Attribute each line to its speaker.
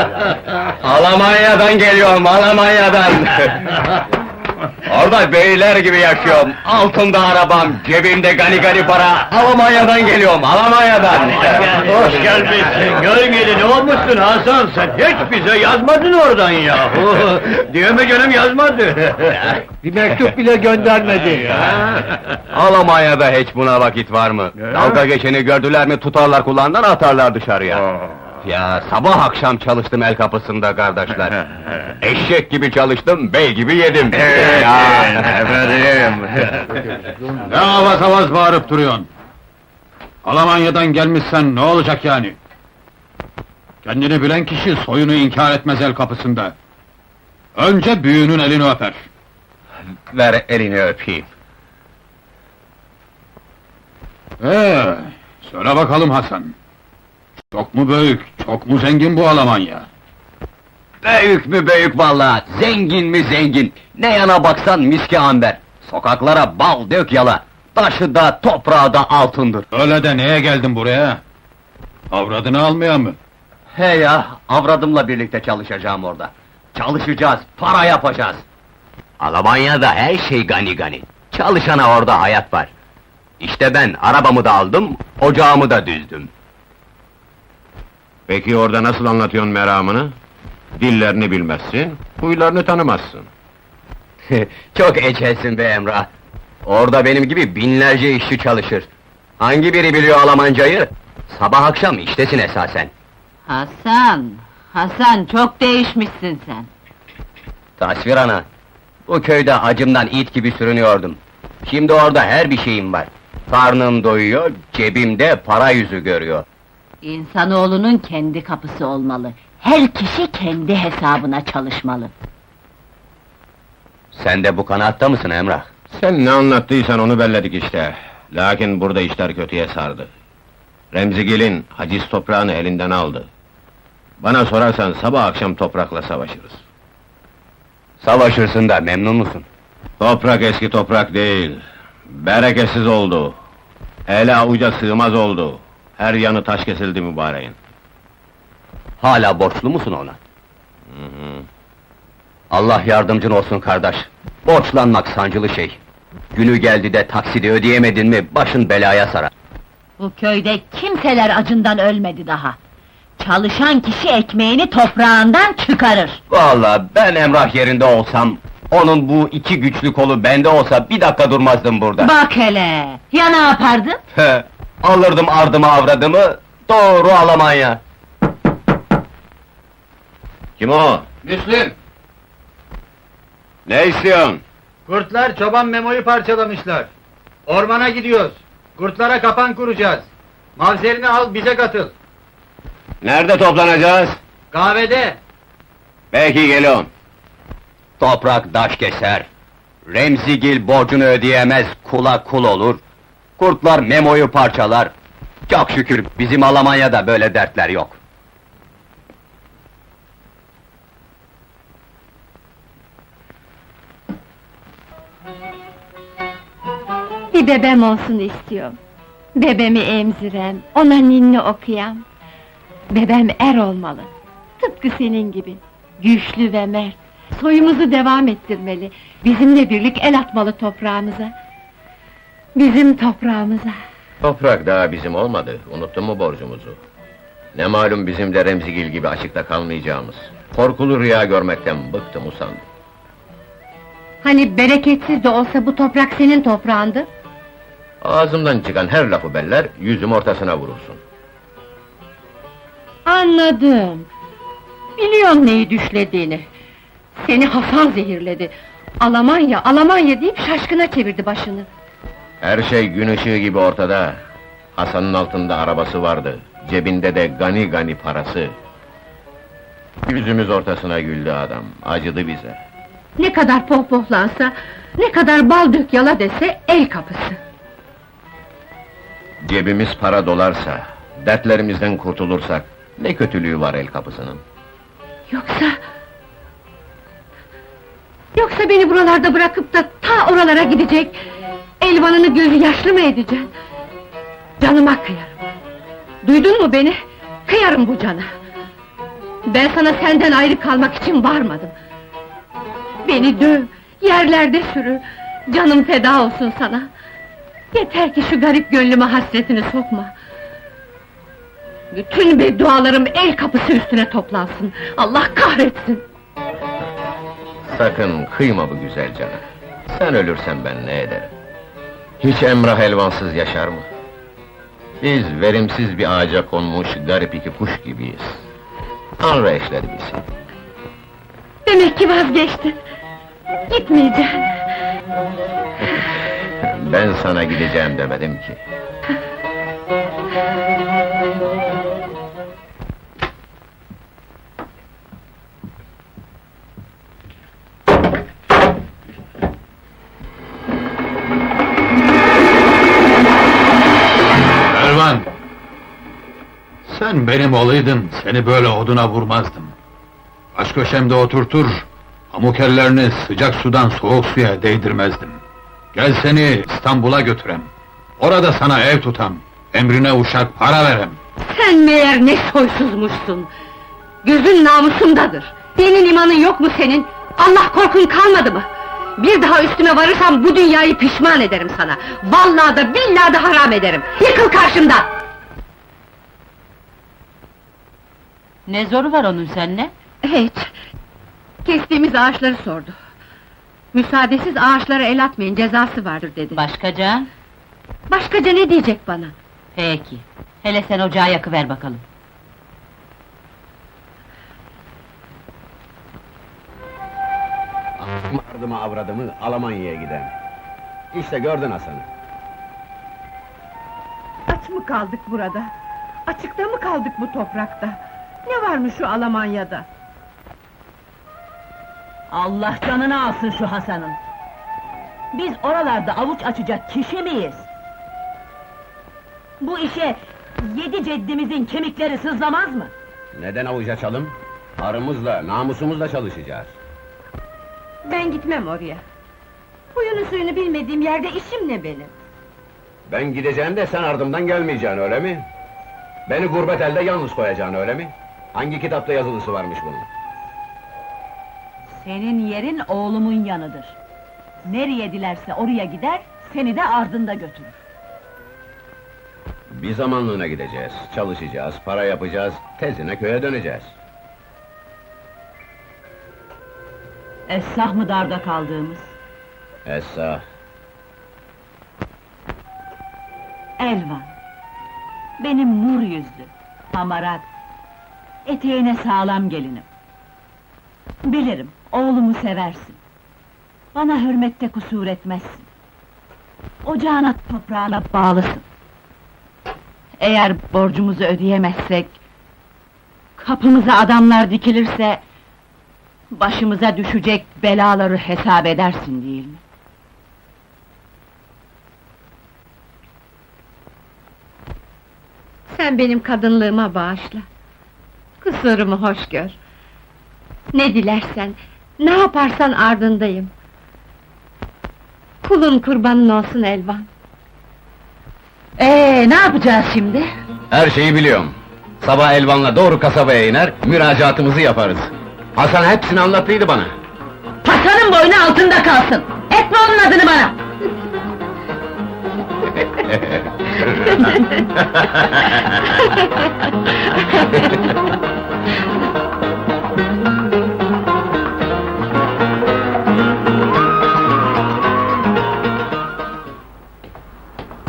Speaker 1: Almanya'dan geliyorum, Almanya'dan! Orada beyler gibi yaşıyorum, altımda arabam, cebimde gani gani para, Almanya'dan geliyorum, Almanya'dan!
Speaker 2: Hoş gelmişsin, gölgeli ne olmuşsun Hasan, sen hiç bize yazmadın oradan yahu! Diyeme canım yazmadı!
Speaker 3: Bir mektup bile göndermedi.
Speaker 1: Almanya'da hiç buna vakit var mı? Dalga geçeni gördüler mi tutarlar kulağından atarlar dışarıya. Ya sabah akşam çalıştım el kapısında kardeşler. Eşek gibi çalıştım, bey gibi yedim.
Speaker 2: Efendim!
Speaker 4: Ne avaz avaz bağırıp duruyorsun? Almanya'dan gelmişsen ne olacak yani? Kendini bilen kişi soyunu inkar etmez el kapısında. Önce büyüğünün elini öper.
Speaker 1: Ver elini öpeyim.
Speaker 4: Söyle bakalım Hasan. Çok mu büyük, çok mu zengin bu Almanya?
Speaker 1: Büyük mü büyük vallahi, zengin mi zengin. Ne yana baksan miski amber. Sokaklara bal dök yala. Taşı da toprağı da altındır.
Speaker 4: Öyle de neye geldin buraya? Avradını almaya mı?
Speaker 1: He ya, avradımla birlikte çalışacağım orada. Çalışacağız, para yapacağız. Almanya'da her şey gani gani. Çalışana orada hayat var. İşte ben arabamı da aldım, ocağımı da düzdüm.
Speaker 5: Peki orada nasıl anlatıyorsun meramını? Dillerini bilmezsin, huylarını tanımazsın.
Speaker 1: Çok ecelsin be Emrah. Orada benim gibi binlerce işçi çalışır. Hangi biri biliyor Almancayı? Sabah akşam iştesin esasen.
Speaker 6: Hasan çok değişmişsin sen.
Speaker 1: Tasvir ana, bu köyde acımdan it gibi sürünüyordum. Şimdi orada her bir şeyim var. Karnım doyuyor, cebimde para yüzü görüyor.
Speaker 6: İnsanoğlunun kendi kapısı olmalı. Her kişi kendi hesabına çalışmalı.
Speaker 1: Sen de bu kanaatta mısın Emrah?
Speaker 5: Sen ne anlattıysan onu belledik işte. Lakin burada işler kötüye sardı. Remzigil'in haciz toprağını elinden aldı. Bana sorarsan sabah akşam toprakla savaşırız.
Speaker 1: Savaşırsın da memnun musun?
Speaker 5: Toprak eski toprak değil. Bereketsiz oldu. Hele avuca sığmaz oldu. Her yanı taş kesildi mübareğin.
Speaker 1: Hala borçlu musun ona? Allah yardımcın olsun kardeş. Borçlanmak sancılı şey. Günü geldi de taksidi ödeyemedin mi başın belaya sarar.
Speaker 6: Bu köyde kimseler acından ölmedi daha. Çalışan kişi ekmeğini toprağından çıkarır.
Speaker 1: Vallahi ben Emrah yerinde olsam, onun bu iki güçlü kolu bende olsa bir dakika durmazdım burada.
Speaker 6: Bak hele! Ya ne yapardın?
Speaker 1: Alırdım ardımı avradımı, doğru Almanya.
Speaker 5: Kim o?
Speaker 3: Müslüm!
Speaker 5: Ne istiyorsun?
Speaker 3: Kurtlar çoban Memo'yu parçalamışlar. Ormana gidiyoruz. Kurtlara kapan kuracağız. Mavzerini al, bize katıl.
Speaker 5: Nerede toplanacağız?
Speaker 3: Kahvede.
Speaker 5: Peki geliyorum.
Speaker 1: Toprak taş keser. Remzigil borcunu ödeyemez, kula kul olur. Kurtlar Memo'yu parçalar. Çok şükür bizim Almanya'da böyle dertler yok.
Speaker 7: Bir bebem olsun istiyorum. Bebemi emzirem, ona ninni okuyam. Bebem er olmalı. Tıpkı senin gibi. Güçlü ve mert. Soyumuzu devam ettirmeli. Bizimle birlik el atmalı toprağımıza. Bizim toprağımıza.
Speaker 5: Toprak daha bizim olmadı, unuttun mu borcumuzu? Ne malum bizim de Remzigil gibi açıkta kalmayacağımız. Korkulu rüya görmekten bıktım usandım.
Speaker 7: Hani bereketsiz de olsa bu toprak senin toprağındı?
Speaker 5: Ağzımdan çıkan her lafı beller, yüzüm ortasına vurursun.
Speaker 7: Anladım. Biliyorum neyi düşlediğini. Seni Hasan zehirledi. Almanya, Almanya deyip şaşkına çevirdi başını.
Speaker 5: Her şey gün ışığı gibi ortada. Hasan'ın altında arabası vardı, cebinde de gani gani parası. Yüzümüz ortasına güldü adam, acıdı bize.
Speaker 7: Ne kadar pohpohlansa, ne kadar bal dök yala dese el kapısı.
Speaker 5: Cebimiz para dolarsa, dertlerimizden kurtulursak, ne kötülüğü var el kapısının?
Speaker 7: Yoksa... Yoksa beni buralarda bırakıp da ta oralara gidecek... Elvanını gözü yaşlı mı edeceksin? Canıma kıyarım. Duydun mu beni? Kıyarım bu cana. Ben sana senden ayrı kalmak için varmadım. Beni döv, yerlerde sürü, canım feda olsun sana. Yeter ki şu garip gönlüme hasretini sokma. Bütün beddualarım el kapısı üstüne toplansın. Allah kahretsin!
Speaker 5: Sakın kıyma bu güzel cana. Sen ölürsen ben ne ederim? Hiç Emrah Elvansız yaşar mı? Biz verimsiz bir ağaca konmuş garip iki kuş gibiyiz. Tanrı eşledi bizi.
Speaker 7: Demek ki vazgeçtin! Gitmeyeceğim!
Speaker 5: Ben sana gideceğim demedim ki.
Speaker 4: Elvan! Sen benim olaydın, seni böyle oduna vurmazdım. Baş köşemde oturtur, pamuk ellerini sıcak sudan soğuk suya değdirmezdim. Gel seni İstanbul'a götürem. Orada sana ev tutam, emrine uşak para verem.
Speaker 7: Sen meğer ne soysuzmuşsun! Gözün namusumdadır! Dinin imanın yok mu senin? Allah korkun kalmadı mı? Bir daha üstüme varırsam bu dünyayı pişman ederim sana! Vallahi da billahi da haram ederim! Yıkıl karşımdan!
Speaker 6: Ne zoru var onun seninle?
Speaker 7: Hiç! Kestiğimiz ağaçları sordu. Müsaadesiz ağaçlara el atmayın, cezası vardır dedi.
Speaker 6: Başkaca?
Speaker 7: Başkaca ne diyecek bana?
Speaker 6: Peki. Hele sen ocağı yakıver bakalım.
Speaker 5: Ardımı avradımı Almanya'ya giden. İşte gördün Hasan'ı.
Speaker 7: Aç mı kaldık burada? Açıkta mı kaldık bu toprakta? Ne varmış şu Almanya'da?
Speaker 6: Allah canını alsın şu Hasan'ın! Biz oralarda avuç açacak kişi miyiz? Bu işe 7 ceddimizin kemikleri sızlamaz mı?
Speaker 5: Neden avuç açalım? Arımızla, namusumuzla çalışacağız.
Speaker 7: Ben gitmem oraya. Huyunu suyunu bilmediğim yerde işim ne benim?
Speaker 5: Ben gideceğim de sen ardımdan gelmeyeceksin, öyle mi? Beni gurbet elde yalnız koyacaksın, öyle mi? Hangi kitapta yazılısı varmış bunun?
Speaker 6: Senin yerin oğlumun yanıdır. Nereye dilerse oraya gider, seni de ardında götürür.
Speaker 5: Bir zamanlığına gideceğiz, çalışacağız, para yapacağız, tezine köye döneceğiz.
Speaker 6: Esnaf mı darda kaldığımız?
Speaker 5: Esra,
Speaker 6: Elvan! Benim nur yüzlü, hamarat, eteğine sağlam gelinim. Bilirim, oğlumu seversin. Bana hürmette kusur etmezsin. Ocağına, toprağına bağlısın. Eğer borcumuzu ödeyemezsek, kapımıza adamlar dikilirse, başımıza düşecek belaları hesap edersin değil mi?
Speaker 7: Sen benim kadınlığıma bağışla. Kusurumu hoş gör. Ne dilersen, ne yaparsan ardındayım. Kulun kurbanın olsun Elvan.
Speaker 6: Ne yapacağız şimdi?
Speaker 5: her şeyi biliyorum. Sabah Elvan'la doğru kasabaya iner, müracaatımızı yaparız. Hasan hepsini anlattıydı bana.
Speaker 6: Hasan'ın boynu altında kalsın! Etme onun adını bana!